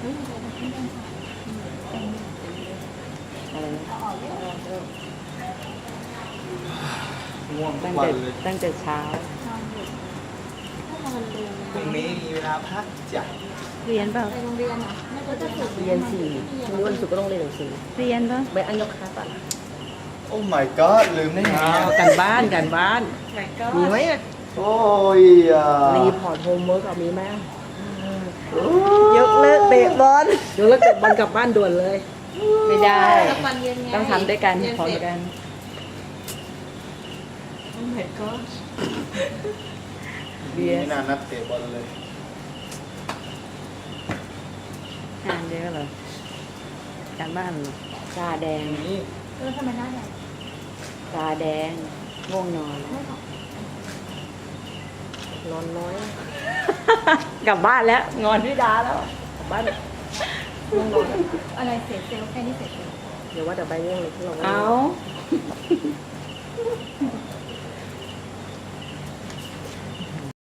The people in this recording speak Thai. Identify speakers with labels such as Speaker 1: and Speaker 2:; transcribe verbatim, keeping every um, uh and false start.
Speaker 1: อะไรนะ
Speaker 2: ง่วงทุ
Speaker 1: ตั้
Speaker 2: ก
Speaker 1: ง
Speaker 2: วั
Speaker 1: แต่
Speaker 2: นเลย
Speaker 1: ตั้งแต่เช้า
Speaker 2: พรุ่งนี้มีเวลาพักจ้ะ
Speaker 1: เรียนเปล่า
Speaker 3: ไปโรงเรียนอ่ะไม่ก็จะฝึก
Speaker 1: เรียนสี่วันนี้วันศุกร์ก็ต้องเรียนหนังสือเรียนเปล่าไปอันยกค้าป่ะ
Speaker 2: โอ้ my god ลืมได้ไง
Speaker 1: อ้าว
Speaker 2: อะ
Speaker 1: กันบ้านกันบ้าน มีไหมอ่ะ
Speaker 2: โอ้ยอ่ะ
Speaker 1: รีพอร์ตโฮมเวิร์กมีไหมยกเลิกเตะบอลยกเลิกเตะบอลกลับบ้านด่วนเลย ไม่ได้
Speaker 3: สักวันเย็นไง
Speaker 1: ต้องทำด้วยกันพร้อมกัน
Speaker 3: โอ้ my god
Speaker 1: เบียร์
Speaker 2: ไม่นานนัดเตะบอลเลย
Speaker 1: งานเยอะเหรอการบ้านเหรอตาแดง
Speaker 2: นี่
Speaker 3: เออทำไมหน้าแดง
Speaker 1: ตาแดงง่วงนอน
Speaker 3: ไม่หรอก
Speaker 1: นอนน้อย กลับบ้านแล้ว งอนพี่ดาแล้วกลับบ้านง่วงนอน
Speaker 3: อะไรเสียเซลล์แค่นี้เสียเซลล์
Speaker 1: เดี๋ยวว่าแต่ใบง่วงเลยที่เราเอา